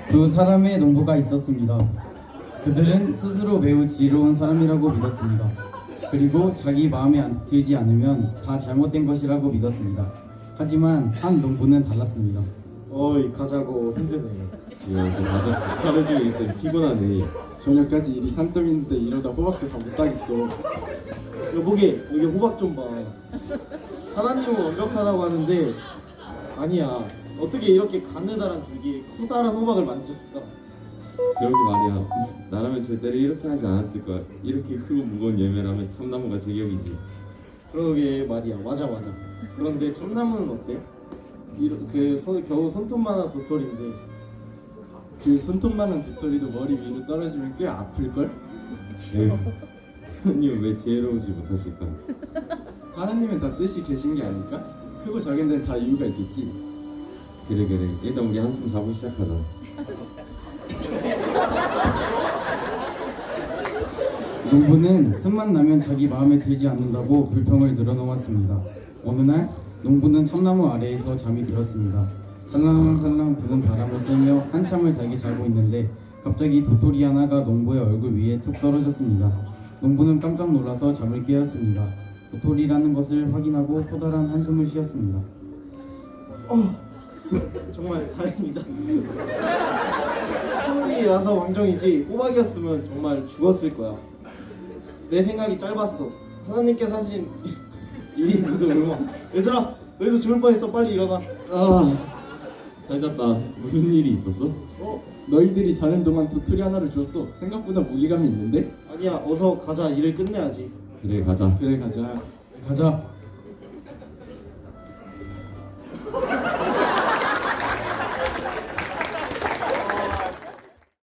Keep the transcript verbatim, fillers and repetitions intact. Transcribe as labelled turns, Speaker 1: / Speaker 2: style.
Speaker 1: 두 사람의 농부가 있었습니다. 그들은 스스로 매우 지혜로운 사람이라고 믿었습니다. 그리고 자기 마음에 안- 들지 않으면 다 잘못된 것이라고 믿었습니다. 하지만 한 농부는 달랐습니다.
Speaker 2: 어이 가자고 힘드네.
Speaker 3: 야, 저 맞아. 하루 종일 있더니 피곤하네.
Speaker 2: 저녁까지 일이 산더미인데 이러다 호박도 다 못하겠어. 여보게 여기 호박 좀 봐. 하나님은 완벽하다고 하는데 아니야. 어떻게 이렇게 가느다란 줄기에 커다란 호박을 만드셨을까?
Speaker 3: 그러게 말이야. 나라면 절대로 이렇게 하지 않았을 거야. 이렇게 크고 무거운 열매라면 참나무가 제격이지.
Speaker 2: 그러게 말이야. 맞아 맞아. 그런데 참나무는 어때? 이러, 그 손, 겨우 손톱만한 도토리인데 그 손톱만한 도토리도 머리 위로 떨어지면 꽤 아플걸?
Speaker 3: 에휴, 하나님은 왜 지혜로우지 못하실까?
Speaker 2: 하나님은 다 뜻이 계신 게 아닐까? 크고 작은 데는 다 이유가 있겠지.
Speaker 3: 그래 그래. 일단 우리 한숨 자고 시작하자.
Speaker 1: 농부는 틈만 나면 자기 마음에 들지 않는다고 불평을 늘어놓았습니다. 어느 날 농부는 참나무 아래에서 잠이 들었습니다. 살랑살랑 부는 바람을 쐬며 한참을 달게 자고 있는데 갑자기 도토리 하나가 농부의 얼굴 위에 툭 떨어졌습니다. 농부는 깜짝 놀라서 잠을 깨었습니다. 도토리라는 것을 확인하고 커다란 한숨을 쉬었습니다.
Speaker 2: 정말 다행이다. 도토리라서 왕정이지 호박이었으면 정말 죽었을 거야. 내 생각이 짧았어. 하나님께서 하신 일이 모두 얼마. 얘들아 너희도 죽을 뻔했어. 빨리 일어나.
Speaker 3: 아, 잘 잤다. 무슨 일이 있었어?
Speaker 2: 어? 너희들이 자는 동안 도토리 하나를 줬어. 생각보다 무게감이 있는데? 아니야 어서 가자. 일을 끝내야지.
Speaker 3: 그래 가자.
Speaker 2: 그래 가자.
Speaker 1: 가자.